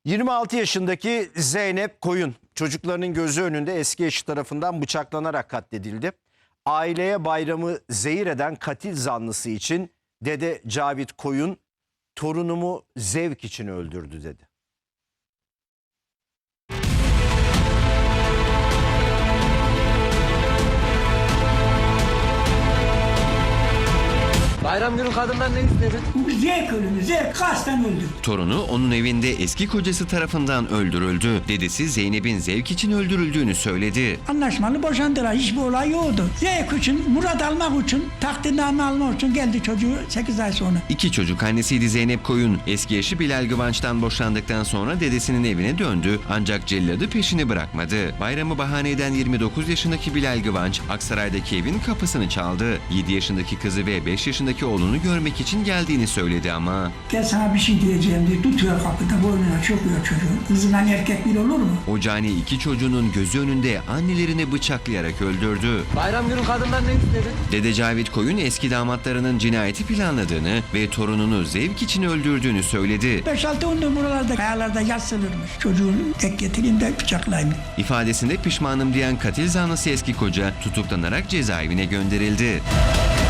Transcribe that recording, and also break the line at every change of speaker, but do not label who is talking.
26 yaşındaki Zeynep Koyun çocuklarının gözü önünde eski eşi tarafından bıçaklanarak katledildi. Aileye bayramı zehir eden katil zanlısı için dede Cavit Koyun torunumu zevk için öldürdü dedi.
Bayram günü kadından ne istedin?
Zevk ölümü, zevk kasten öldü.
Torunu onun evinde eski kocası tarafından öldürüldü. Dedesi Zeynep'in zevk için öldürüldüğünü söyledi.
Anlaşmalı boşandılar, hiçbir olay yoktu. Zevk için, murat almak için, takdirname almak için geldi çocuğu 8 ay sonra.
İki çocuk annesiydi Zeynep Koyun. Eski eşi Bilal Gıvanç'tan boşandıktan sonra dedesinin evine döndü ancak celladı peşini bırakmadı. Bayramı bahane eden 29 yaşındaki Bilal Gıvanç Aksaray'daki evin kapısını çaldı. 7 yaşındaki kızı ve 5 yaşındaki oğlunu görmek için geldiğini söyledi ama.
Gel sana bir şey diyeceğim diye tutuyor kapıda, boynuna çöküyor çocuğu. Kızla erkek bir olur mu?
O cani iki çocuğunun gözü önünde annelerini bıçaklayarak öldürdü.
Bayram günü kadından ne istedin?
Dede Cavit Koyun eski damatlarının cinayeti planladığını ve torununu zevk için öldürdüğünü söyledi.
5-6 gündür buralarda, kayalarda yatsılırmış. Çocuğun tek getireyim de bıçaklayayım.
İfadesinde pişmanım diyen katil zanlısı eski koca tutuklanarak cezaevine gönderildi.